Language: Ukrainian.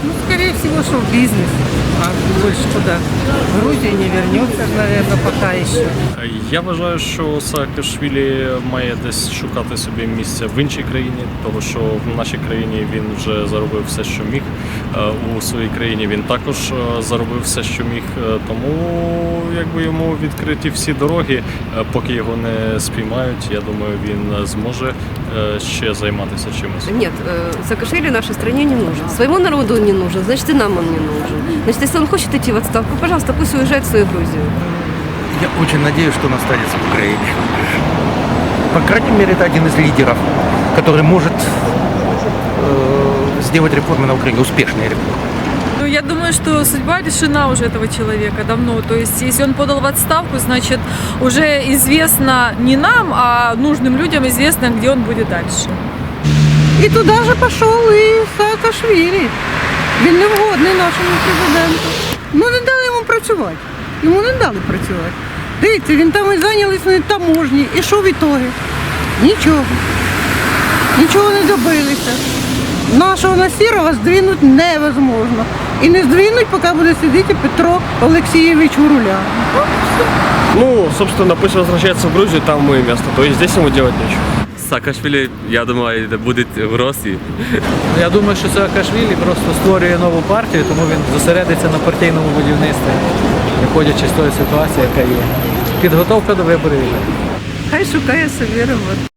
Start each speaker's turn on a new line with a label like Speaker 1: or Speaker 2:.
Speaker 1: Ну, скорее всего, что в бизнес. А больше куда? В Грузию не вернется, наверное, пока еще.
Speaker 2: Я вважаю, що Саакашвілі має десь шукати собі місце в іншій країні, тому що в нашій країні він вже заробив все, що міг. У своїй країні він також заробив все, що міг. Тому якби йому відкриті всі дороги, поки його не спіймають, я думаю, він зможе ще займатися чимось.
Speaker 3: Нет, Саакашвили нашей стране не нужен. Своему народу он не нужен, значит и нам он не нужен. Значит, если он хочет идти в отставку, пожалуйста, пусть уезжает в свою Грузию.
Speaker 4: Я очень надеюсь, что он останется в Украине. По крайней мере, это один из лидеров, который может сделать реформы на Украине, успешные реформы.
Speaker 5: Ну, я думаю, что судьба решена уже этого человека давно. То есть, если он подал в отставку, значит, уже известно не нам, а нужным людям известно, где он будет дальше.
Speaker 1: І туди ж пішов і Саакашвілі. Він не вгодний нашому президенту. Ну не дали йому працювати. Йому не дали працювати. Дивіться, він там і зайнялись на таможні. І що в ітогі? Нічого. Нічого не добилися. Нашого Насірова здвинути невозможно. І не здвинуть, поки буде сидіти Петро Олексійович у руля.
Speaker 6: Ну, собственно, пусть возвращается в Грузию, там ему и место. То есть здесь ему делать нечего.
Speaker 7: Саакашвілі, я думаю, буде в Росії.
Speaker 8: Я думаю, що Саакашвілі просто створює нову партію, тому він зосередиться на партійному будівництві, виходячи з тої ситуації, яка є. Підготовка до виборів.
Speaker 1: Хай шукає собі роботу.